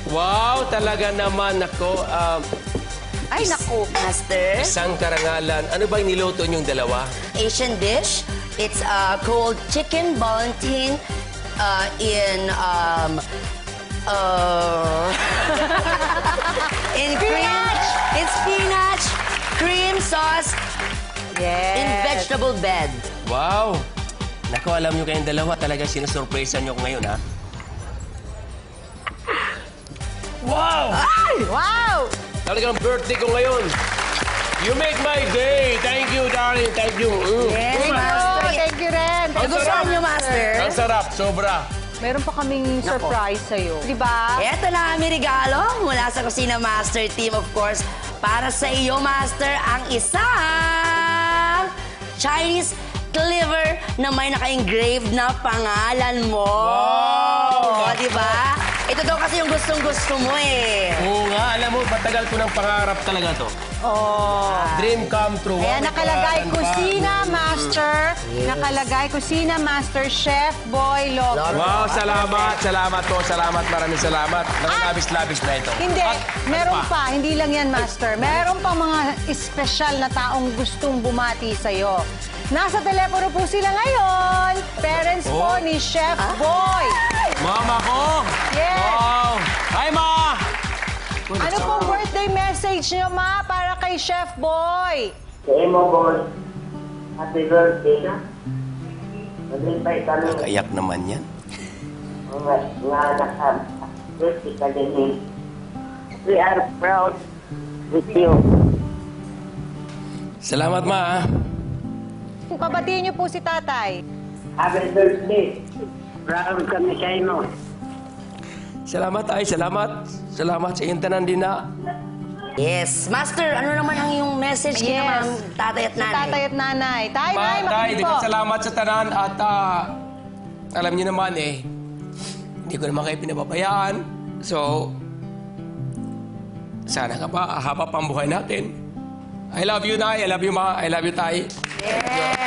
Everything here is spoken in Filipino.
Wow, talaga naman. Nako, Ay, naku, Master. isang karangalan. Ano ba yung niluto niyong dalawa? Asian dish. It's called chicken Valentine in in spinach. In spinach, cream sauce, in vegetable bed. Wow! Nako, alam niyo kayong dalawa, talaga sinusurpresa niyo ko ngayon, ha? Wow! Ay! Wow! Talagang birthday ko ngayon. You make my day. Thank you, darling. Thank you. Yes, Master. Thank you rin. Nagustuhan niyo, Master? Ang sarap, sobra. Meron pa kaming surprise sa'yo. Di ba? Ito na ang regalo mula sa Kusina Master Team, of course. Para sa iyo, Master, ang isang Chinese cleaver na may naka-engrave na pangalan mo. Wow! Di ba? Ito daw kasi yung gustong-gusto mo eh. Oo nga, alam mo, matagal ko ng pangarap talaga to. Oh. Dream come true. Ayan, Wow, nakalagay pangalan pa. Kusina Master. Nakalagay Kusina Master Chef Boy Lover. Wow, salamat, salamat po, salamat, maraming salamat. Nakalabis-labis na ito. Hindi, At, meron ano pa. Hindi lang yan, Master. Meron pa mga espesyal na taong gustong bumati sa'yo. Nasa telepono po sila ngayon. Parents po Oh. ni Chef Boy. Mama ko! Yes. Wow! Hi, Ma! Ano pong birthday message niyo, Ma, para kay Chef Boy? Kaya mo, boss. Happy birthday na. Maglipay kami. Kayak naman yan. Nga anak ka. Birthday ka din eh. We are proud with you. Salamat, Ma. ah. Pabatiin niyo po si Tatay. Happy birthday. Proud kami sa inyo. Salamat, ay, salamat. Salamat sa iyong tanan din na. Yes. Master, ano naman ang iyong message kay Yes. naman tatay at nanay? Tatay at nanay. Tay, Ma, nay, tay, makinig po. salamat sa tanan at alam niyo naman eh, hindi ko naman kayo pinababayaan. So, sana ka pa, haba pa ang buhay natin. I love you, Nay. I love you, Ma. I love you, Tay. Yes.